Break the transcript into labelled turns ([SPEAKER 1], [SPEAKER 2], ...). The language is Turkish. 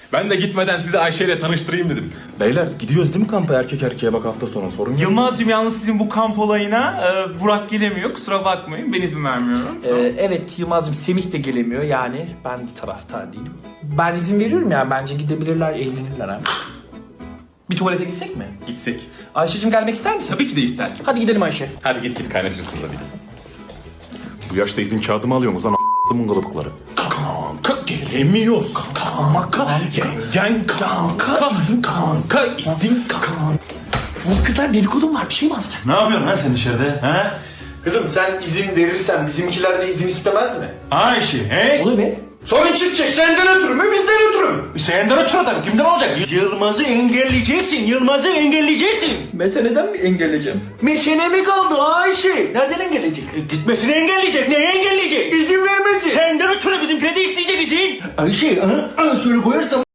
[SPEAKER 1] Ben de gitmeden sizi Ayşe ile tanıştırayım dedim. Beyler gidiyoruz değil mi kampa erkek erkeğe bak hafta sonu sorun yok.
[SPEAKER 2] Yılmaz'cığım yalnız sizin bu kamp olayına Burak gelemiyor. Kusura bakmayın. Ben izin vermiyorum.
[SPEAKER 3] Evet Yılmaz'cığım Semih de gelemiyor yani ben taraftar değilim. Ben izin veriyorum yani bence gidebilirler eğlenirler ha. Bir tuvalete gitsek mi?
[SPEAKER 1] Gitsek.
[SPEAKER 3] Ayşe'cim gelmek ister misin?
[SPEAKER 1] Tabii ki de ister.
[SPEAKER 3] Hadi gidelim Ayşe.
[SPEAKER 1] Hadi git kaynaşırsın tabii. Bu yaşta izin kağıdı mı alıyorsunuz lan a**ımın kılıbıkları? Kanka gelemiyoruz. Kanka yengen kanka izin kanka izin kanka.
[SPEAKER 3] Bu kızlar dedikodum var bir şey mi anlatacak?
[SPEAKER 4] Ne yapıyorsun lan sen içeride? He?
[SPEAKER 3] Kızım sen izin verirsen bizimkiler de izin istemez mi?
[SPEAKER 4] Ayşe, he?
[SPEAKER 3] Oluyor be. Sorun çıkacak senden ötürü mü bizden ötürü mü?
[SPEAKER 4] Senden ötürü adam kimden olacak? Yılmaz'ı engelleyeceksin, Yılmaz'ı engelleyeceksin.
[SPEAKER 3] Meseleden mi engelleyeceğim?
[SPEAKER 4] Mesele mi kaldı Ayşe? Nereden engelleyecek? Gitmesini engelleyecek, neyi engelleyecek? İzin vermedi. Senden ötürü bizimkiler de isteyecek izin. Ayşe, şöyle koyarsam